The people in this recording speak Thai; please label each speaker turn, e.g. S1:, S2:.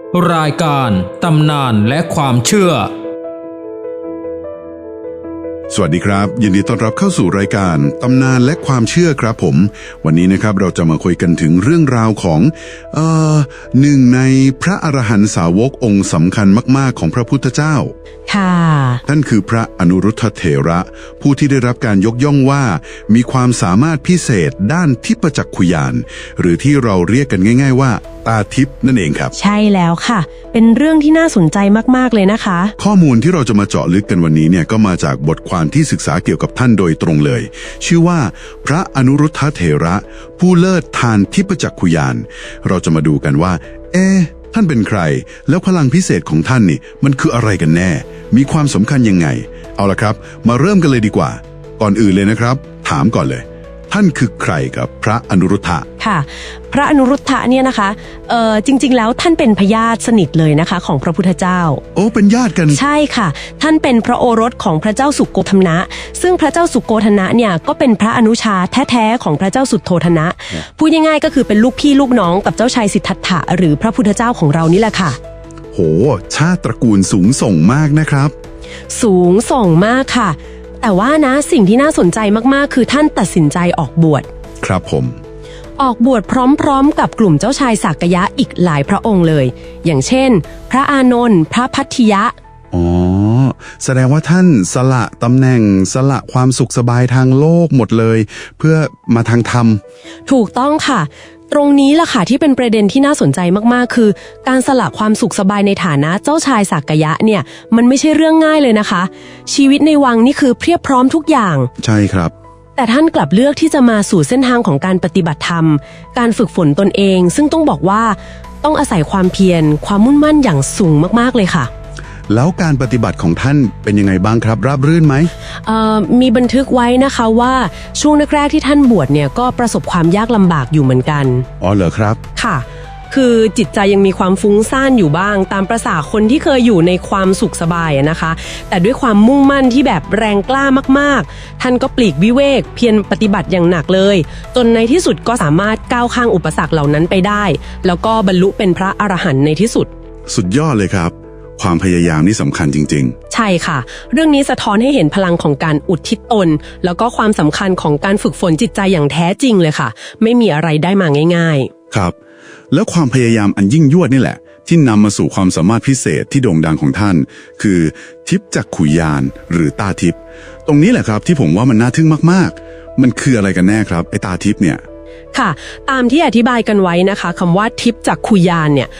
S1: รายการตำนานและความเชื่อ
S2: สวัสดีครับยินดีต้อนรับเข้าสู่รายการตำนานและความเชื่อครับผมวันนี้นะครับเราจะมาคุยกันถึงเรื่องราวของหนึ่งในพระอรหันตสาวกองค์สำคัญมากๆของพระพุทธเจ้า
S3: ค่ะ
S2: ท่านคือพระอนุรุทธเถระผู้ที่ได้รับการยกย่องว่ามีความสามารถพิเศษด้านทิพจักขุญาณหรือที่เราเรียกกันง่ายๆว่าตาทิพย์นั่นเองครับ
S3: ใช่แล้วค่ะเป็นเรื่องที่น่าสนใจมากๆเลยนะคะ
S2: ข้อมูลที่เราจะมาเจาะลึกกันวันนี้เนี่ยก็มาจากบทความที่ศึกษาเกี่ยวกับท่านโดยตรงเลยชื่อว่าพระอนุรุทธเถระผู้เลิศทานทิพจักขุญาณเราจะมาดูกันว่าท่านเป็นใครแล้วพลังพิเศษของท่านนี่มันคืออะไรกันแน่มีความสำคัญยังไงเอาล่ะครับมาเริ่มกันเลยดีกว่าก่อนอื่นเลยนะครับถามก่อนเลยท่านคือใครครับพระอนุรุทธะ
S3: ค่ะพระอนุรุทธะเนี่ยนะคะจริงๆแล้วท่านเป็นพญาติสนิทเลยนะคะของพระพุทธเจ้า
S2: โอ้เป็นญาติกัน
S3: ใช่ค่ะท่านเป็นพระโอรสของพระเจ้าสุโกธนะซึ่งพระเจ้าสุโกธนะเนี่ยก็เป็นพระอนุชาแท้ๆของพระเจ้าสุโธทนะพูดง่ายๆก็คือเป็นลูกพี่ลูกน้องกับเจ้าชายสิทธัตถะหรือพระพุทธเจ้าของเรานี่แหละค่ะ
S2: โหชาติตระกูลสูงส่งมากนะครับ
S3: สูงส่งมากค่ะแต่ว่านะสิ่งที่น่าสนใจมากๆคือท่านตัดสินใจออกบวช
S2: ครับผม
S3: ออกบวชพร้อมๆกับกลุ่มเจ้าชายสักยะอีกหลายพระองค์เลยอย่างเช่นพระอานนท์พระพัทธิยะ
S2: อ๋อแสดงว่าท่านสละตำแหน่งสละความสุขสบายทางโลกหมดเลยเพื่อมาทางธรรม
S3: ถูกต้องค่ะตรงนี้ล่ะค่ะที่เป็นประเด็นที่น่าสนใจมากๆคือการสละความสุขสบายในฐานะเจ้าชายสักยะเนี่ยมันไม่ใช่เรื่องง่ายเลยนะคะชีวิตในวังนี่คือเพียบพร้อมทุกอย่าง
S2: ใช่ครับ
S3: แต่ท่านกลับเลือกที่จะมาสู่เส้นทางของการปฏิบัติธรรมการฝึกฝนตนเองซึ่งต้องบอกว่าต้องอาศัยความเพียรความมุ่งมั่นอย่างสูงมากๆเลยค่ะ
S2: แล้วการปฏิบัติของท่านเป็นยังไงบ้างครับราบรื่นไหม
S3: มีบันทึกไว้นะคะว่าช่วงแรกๆที่ท่านบวชเนี่ยก็ประสบความยากลำบากอยู่เหมือนกัน
S2: อ๋อเหรอครับ
S3: ค่ะคือจิตใจยังมีความฟุ้งซ่านอยู่บ้างตามประสาคนที่เคยอยู่ในความสุขสบายนะคะแต่ด้วยความมุ่งมั่นที่แบบแรงกล้ามากๆท่านก็ปลีกวิเวกเพียรปฏิบัติอย่างหนักเลยจนในที่สุดก็สามารถก้าวข้ามอุปสรรคเหล่านั้นไปได้แล้วก็บรรลุเป็นพระอรหันต์ในที่สุด
S2: สุดยอดเลยครับความพยายามนี่สำคัญจริง
S3: ๆใช่ค่ะเรื่องนี้สะท้อนให้เห็นพลังของการอุทิศตนแล้วก็ความสำคัญของการฝึกฝนจิตใจอย่างแท้จริงเลยค่ะไม่มีอะไรได้มาง่าย
S2: ๆครับแล้วความพยายามอันยิ่งยวดนี่แหละที่นำมาสู่ความสามารถพิเศษที่โด่งดังของท่านคือทิพจักขุญาณหรือตาทิพย์ตรงนี้แหละครับที่ผมว่ามันน่าทึ่งมากๆมันคืออะไรกันแน่ครับไอ้ตาทิพย์เนี่ย
S3: ค่ะตามที่อธิบายกันไว้นะคะคำว่าทิพจักขุญาณเนี่ย